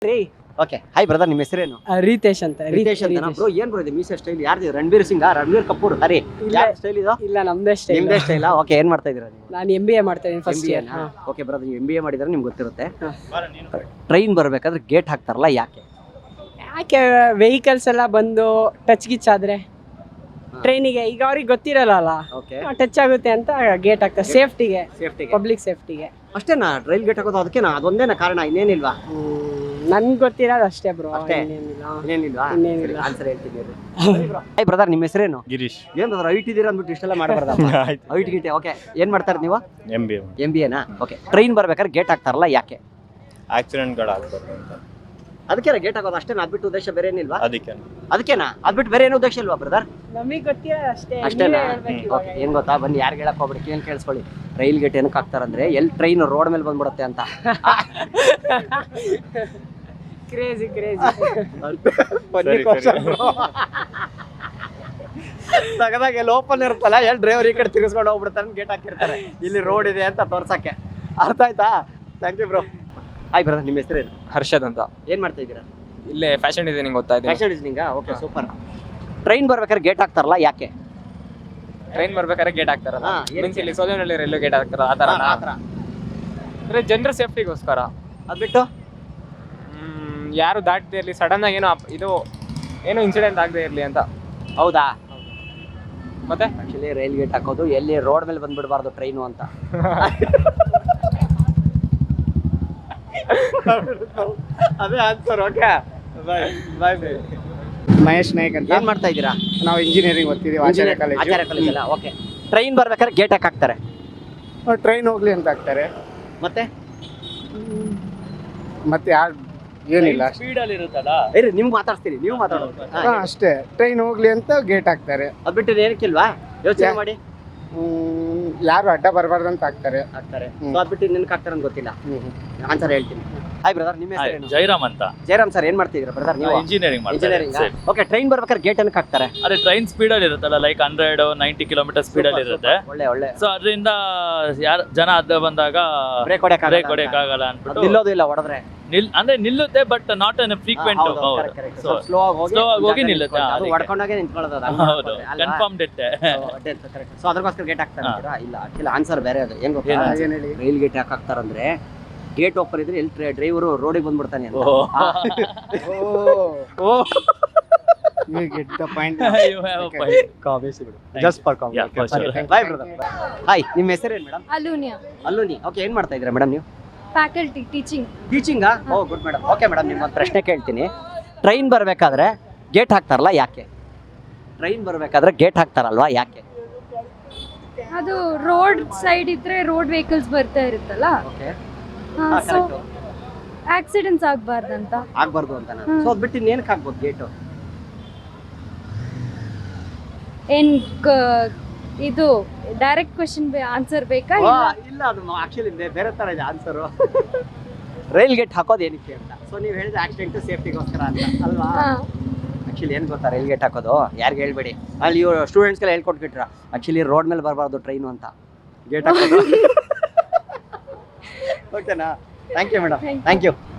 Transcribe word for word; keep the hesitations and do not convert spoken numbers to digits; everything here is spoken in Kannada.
ರೀ ಓಕೆ ಹಾಯ್ ಬ್ರದರ್, ನಿಮ್ಮ ಹೆಸರೇನು? ರೀತೇಶ್ ಅಂತ. ರಿತೇಶ್ ಅಂತ ಬ್ರೋ. ಏನ್ ಬ್ರೋ ಇದು ಮೀಸೆ ಸ್ಟೈಲ್ ಯಾರ್ದು? ರಣಬೀರ್ ಸಿಂಗ್, ರಣಬೀರ್ ಕಪೂರ್? ಹರಿ ಯಾರ ಸ್ಟೈಲ್ ಇದು? ಇಲ್ಲ, ನಮ್ದೇ ಸ್ಟೈಲ್. ನಿಮ್ದೇ ಸ್ಟೈಲ್. ಓಕೆ, ಏನ್ ಮಾಡ್ತಾ ಇದೀರಾ ನೀವು? ನಾನು ಎಂ ಬಿ ಎ ಮಾಡ್ತಾ ಇದ್ದೀನಿ, ಫಸ್ಟ್ ಇಯರ್. ಓಕೆ ಬ್ರದರ್, ನೀವು ಎಂ ಬಿ ಎ ಮಾಡಿದ್ರೆ ನಿಮ್ಗೆ ಗೊತ್ತಿರುತ್ತೆ. ಟ್ರೈನ್ ಬರ್ಬೇಕಾದ್ರೆ ಗೇಟ್ ಹಾಕ್ತಾರಲ್ಲ, ಯಾಕೆ? ಯಾಕೆ ವೆಹಿಕಲ್ಸ್ ಎಲ್ಲ ಬಂದು ಟಚ್ ಗಿಚ್ ಆದ್ರೆ ಟ್ರೈನಿಗೆ ಈಗ ಅವ್ರಿಗೆ ಗೊತ್ತಿರಲ್ಲ, ಓಕೆ, ಟಚ್ ಆಗುತ್ತೆ ಅಂತ ಗೇಟ್ ಹಾಕ್ತಾರೆ, ಸೇಫ್ಟಿಗೆ, ಸೇಫ್ಟಿಗೆ. ಪಬ್ಲಿಕ್ ಸೇಫ್ಟಿಗೆ. ಅಷ್ಟೇನಾ ರೈಲ್ ಗೇಟ್ ಹಾಕೋದು? ಅದಕ್ಕೇನಾ? ಅದೊಂದೇನಾ ಕಾರಣ? ಇನ್ನೇನಿಲ್ವಾ? ನನ್ಗೆ ಗೊತ್ತಿರೋದು ಅಷ್ಟೇ ಬ್ರೋ, ಅಷ್ಟೇ? ಇನ್ನೇನಿಲ್ಲ. ಇನ್ನೇನಿಲ್ವಾ? ಇನ್ನೇನಿಲ್ಲ. ಆನ್ಸರ್ ಹೇಳ್ತೀನಿ. ಹಾಯ್ ಬ್ರದರ್, ನಿಮ್ಮ ಹೆಸರೇನು? ಗಿರೀಶ್. ಏನ್ ಬ್ರದರ್ ಐಟ್ ಇದೀರ ಅಂದ್ಬಿಟ್ಟು ಇಷ್ಟೆಲ್ಲ ಮಾಡಬಾರ್ದ? ಐಟ್ ಗಿಟೆ. ಓಕೆ, ಏನ್ ಮಾಡ್ತಾರೆ ನೀವು? ಎಂ ಬಿ ಎಂ ಬಿ ಎನಾ? ಓಕೆ, ಟ್ರೈನ್ ಬರ್ಬೇಕಾದ್ರೆ ಗೇಟ್ ಹಾಕ್ತಾರಲ್ಲ, ಯಾಕೆ? ಆಕ್ಸಿಡೆಂಟ್ಗಳು ಆಗ್ಬಾರ್ದು ಅಂತ. ಅದಕ್ಕೆ ಗೇಟ್ ಹಾಕೋದು ಅಷ್ಟೇನಾ? ಅದ್ಬಿಟ್ಟು ಉದ್ದೇಶ ಬೇರೆ ಏನಿಲ್ವಾ? ಅದಕ್ಕೆ ಅದಕ್ಕೇನಾ? ಅದ್ಬಿಟ್ಟು ಬೇರೆ ಏನು ಉದ್ದೇಶ ಇಲ್ವಾ ಬ್ರದರ್? ನಮಗೆ ಗೊತ್ತಿರೋದು ಅಷ್ಟೇ. ಅಷ್ಟೇನಾ? ನೀವೇ ಹೇಳ್ಬೇಕು ಇವಾಗ. ಓಕೆ, ಏನ್ ಗೊತ್ತಾ, ಬನ್ನಿ ಯಾರು ಹೇಳಕ್ ಹೋಗ್ಬಿಡಿ, ಏನ್ ಕೇಳಿಸ್ಕೊಳ್ಳಿ. ರೈಲ್ ಗೇಟ್ ಏನಕ್ಕೆ ಹಾಕ್ತಾರಂದ್ರೆ ಎಲ್ಲಿ ಟ್ರೈನ್ ರೋಡ್ ಮೇಲೆ ಬಂದ್ಬಿಡುತ್ತೆ ಅಂತ. Crazy crazy. ತಗದಾಗ ಎಲ್ಲಿ ಓಪನ್ ಇರುತ್ತಲ್ಲ, ಎಲ್ಲಿ ಡ್ರೈವರ್ ಈ ಕಡೆ ತಿರ್ಗಿಸ್ಕೊಂಡು ಹೋಗ್ಬಿಡ್ತಾನೆ, ಗೇಟ್ ಹಾಕಿರ್ತಾರೆ ಇಲ್ಲಿ ರೋಡ್ ಇದೆ ಅಂತ ತೋರ್ಸಕ್ಕೆ. ಅರ್ಥ ಆಯ್ತಾ? Thank you bro. Hi brother, ನಿಮ್ಮ ಹೆಸರೇನು? ಹರ್ಷದ್ ಅಂತ. ಏನ್ ಮಾಡ್ತಾ ಇದ್ದೀರಾ? ಇಲ್ಲೇ ಫ್ಯಾಷನ್ ಡಿಸೈನಿಂಗ್ ಓದ್ತಾ ಇದ್ದೀನಿ. Fashion designing. Okay, super. Train ಬರ್ಬೇಕಾದ್ರೆ ಗೇಟ್ ಹಾಕ್ತಾರಲ್ಲ, ಯಾಕೆ? ಟ್ರೈನ್ ಬರ್ಬೇಕಾದ್ರೆ ಗೇಟ್ ಹಾಕ್ತಾರಲ್ಲ, ಹಾ, ಏನಕ್ಕೆ? ಮೀನ್ಸ್ ಇಲ್ಲಿ ಸೋಲನಲ್ಲಿ ರೈಲ್ವೆ ಗೇಟ್ ಹಾಕ್ತಾರ ಆ ಥರ. ಆ ಥರ. ಅಂದ್ರೆ ಜನರ ಸೇಫ್ಟಿಗೋಸ್ಕರ. ಅದ್ಬಿಟ್ಟು ಹ್ಮ್, ಯಾರು ದಾಟದೇ ಇರಲಿ, ಸಡನ್ ಆಗಿ ಏನೋ ಅಪ್- ಇದು ಏನೋ ಇನ್ಸಿಡೆಂಟ್ ಆಗದೆ ಇರಲಿ ಅಂತ. ಹೌದಾ? ಮತ್ತೆ ಆಕ್ಚುಲಿ ರೈಲ್ ಗೇಟ್ ಹಾಕೋದು ಎಲ್ಲಿ ರೋಡ್ ಮೇಲೆ ಬಂದ್ಬಿಡಬಾರ್ದು ಟ್ರೈನು ಅಂತ. ಅದೇ answer. Okay, bye bye bye. Mahesh Naik ಅಂತ. ಏನ್ ಮಾಡ್ತಾ ಇದ್ದೀರಾ? ನಾವು ಇಂಜಿನಿಯರಿಂಗ್ ಓದ್ತಿದ್ದೀವಿ, ಆಚಾರ್ಯ ಕಾಲೇಜ್. ಆಚಾರ್ಯ ಕಾಲೇಜ್ ಅಲ್ಲ. ಓಕೆ, ಟ್ರೈನ್ ಬರ್ಬೇಕಾದ್ರೆ ಗೇಟ್ ಹಾಕಿ ಹಾಕ್ತಾರೆ, ಟ್ರೈನ್ ಹೋಗ್ಲಿ ಅಂತ ಹಾಕ್ತಾರೆ. ಮತ್ತೆ ಮತ್ತೆ ಯಾರು ಏನಿಲ್ಲ ಅಷ್ಟೇ. ಸ್ಪೀಡಲ್ಲಿ ಇರುತ್ತಲ್ಲ, ಇರಿ ನಿಮ್ಗೆ ಮಾತಾಡ್ತೀನಿ, ನೀವು ಮಾತಾಡೋದು. ಹಾ, ಅಷ್ಟೇ, ಟ್ರೈನ್ ಹೋಗ್ಲಿ ಅಂತ ಗೇಟ್ ಹಾಕ್ತಾರೆ. ಅದ್ ಬಿಟ್ಟು ಏನಕ್ಕಿಲ್ವಾ? ಯೋಚನೆ ಯಾ- ಮಾಡಿ. ಹ್ಮ್, ಯಾರು ಅಡ್ಡ ಬರಬಾರ್ದು ಅಂತ ಹಾಕ್ತಾರೆ. ಹಾಕ್ತಾರೆ. ಹ್ಮ್. ಸೊ ಅದ್ ಬಿಟ್ಟು ನಿನ್ಗೆ ಹಾಕ್ತಾರೆ ಅಂತ ಗೊತ್ತಿಲ್ಲ. ಹ್ಮ್. ಆನ್ಸರ್ ಹೇಳ್ತೀನಿ. ಹಾಯ್ ಬ್ರದರ್, ನಿಮ್ಮ ಹೆಸರೇನು? ಜೈರಾಮ್ ಅಂತ. ಜಯರಾಮ್ ಸರ್, ಏನ್ ಮಾಡ್ತಿದ್ದೀರಾ ಬ್ರದರ್ ನೀವು? Engineering engineering. ಓಕೆ, ಟ್ರೈನ್ ಬರ್ಬೇಕಾದ್ರೆ ಗೇಟ್ ಏನಕ್ಕೆ ಹಾಕ್ತಾರೆ? ಅದೇ ಟ್ರೈನ್ ಸ್ಪೀಡಲ್ಲಿ ಇರುತ್ತಲ್ಲ, ಲೈಕ್ ಹಂಡ್ರೆಡ್ ನೈಂಟಿ ಕಿಲೋಮೀಟರ್ ಸ್ಪೀಡಲ್ಲಿ ಇರುತ್ತೆ. ಒಳ್ಳೆ ಒಳ್ಳೆ. ಸೊ ಅದರಿಂದ ಯಾರು ಜನ ಅಡ್ಡ ಬಂದಾಗ ಬ್ರೇಕ್ ಹೊಡೆಯಕ್ಕೆ ಬ್ರೇಕ್ ಹೊಡೆಯಕ್ಕಾಗಲ್ಲ ಅನ್ಬಿಟ್ಟು ನಿಲ್ಲೋದು ಇಲ್ಲ, ಹೊಡೆದ್ರೆ ನಿಲ್ ಅಂದ್ರೆ ನಿಲ್ಲುತ್ತೆ, but not infrequent. So slow ಆಗಿ ಹೋಗಿ slow ಆಗಿ ಹೋಗಿ ನಿಲ್ಲುತ್ತೆ, ಅದು ಅದಕ್ಕೆ. ಹೊಡ್ಕೊಂಡಾಗೆ ನಿಂತ್ಕೊಳ್ಳೋದು ಅದು. ಹೌದು, ಕನ್ಫರ್ಮ್ ಡೆತ್ತೆ. ಸೊ ಅದ್ರಗೋಸ್ಕರ ಗೇಟ್ ಹಾಕ್ತಾರೆ ಅಂತೀರಾ? ಇಲ್ಲ, ಆಕ್ಚುಲಿ ಆನ್ಸರ್ ಬೇರೆ ಅದು. ಏನ್ ಗೊತ್ತಾ? ಏನು? ಏನ್ ಹೇಳಿ? ರೈಲ್ ಗೇಟ್ ಯಾಕೆ ಹಾಕ್ತಾರಂದ್ರೆ ಗೇಟ್ ಓಪನ್ ಇದ್ರೆ ಎಲ್ಲಿ ಡ್ರೈವರು ರೋಡಿಗೆ ಬಂದ್ಬಿಡ್ತಾನೆ ಅಂತ. Oh you get the point. Just for Yeah, for sure. Bye brother. Hi, ನಿಮ್ಮ ಹೆಸರೇನು ಮೇಡಮ್? ಅಲೂನಿಯಾ, ಅಲ್ಲೂನಿ. ಓಕೆ, ಏನ್ ಮಾಡ್ತಾ ಇದ್ದೀರಾ ಮೇಡಮ್ ನೀವು? Faculty teaching. ಟೀಚಿಂಗಾ? Oh good madam. Okay madam, ನಿಮ್ಮೊಂದು ಪ್ರಶ್ನೆ ಕೇಳ್ತೀನಿ. ಟ್ರೈನ್ ಬರಬೇಕಾದ್ರೆ ಗೇಟ್ ಹಾಕ್ತಾರಲ್ಲ, ಯಾಕೆ? ಟ್ರೈನ್ ಬರಬೇಕಾದ್ರೆ ಗೇಟ್ ಹಾಕ್ತಾರಲ್ವಾ, ಯಾಕೆ? ಅದು ರೋಡ್ ಸೈಡ್ ಇದ್ರೆ ರೋಡ್ ವೆಹಿಕಲ್ಸ್ ಬರ್ತಾ ಇರುತ್ತಲ್ಲ, ಓಕೆ, ಸೊ ಆಕ್ಸಿಡೆಂಟ್ಸ್ ಆಗ್ಬಾರ್ದಂತ. ಆಗ್ಬಾರ್ದು ಅಂತ. ಸೊ ಅದ್ ಬಿಟ್ಟು ಏನಕ್ಕೆ ಹಾಕ್ಬೋದು ಗೇಟು? ಏನ್ ಕ- ಇದು ಡೈರೆಕ್ಟ್ ಕ್ವಶನ್ ಆನ್ಸರ್ ಬೇಕಾ? ಇಲ್ಲ. ಇಲ್ಲ, ಅದು ಆಕ್ಚುಲಿ ಬೇರೆ ತರ ಇದೆ ಆನ್ಸರು. ರೈಲ್ ಗೇಟ್ ಹಾಕೋದು ಏನಕ್ಕೆ ಅಂತ. ಸೊ ನೀವು ಹೇಳಿದ ಆಕ್ಸಿಡೆಂಟ್ ಸೇಫ್ಟಿಗೋಸ್ಕರ ಅಂತ ಅಲ್ವಾ? ಹಾ. ಆಕ್ಚುಲಿ ಏನು ಗೊತ್ತಾ, ರೈಲ್ ಗೇಟ್ ಹಾಕೋದು ಯಾರಿಗೆ ಹೇಳ್ಬೇಡಿ, ಅಲ್ಲಿ ಇವ್ರು ಸ್ಟೂಡೆಂಟ್ಸ್ಗೆಲ್ಲ ಹೇಳ್ಕೊಟ್ಬಿಟ್ರ. ಆಕ್ಚುಲಿ ರೋಡ್ ಮೇಲೆ ಬರಬಾರ್ದು ಟ್ರೈನು ಅಂತ ಗೇಟ್ ಹಾಕೋದು. ಓಕೆನಾ? Thank you madam, thank you.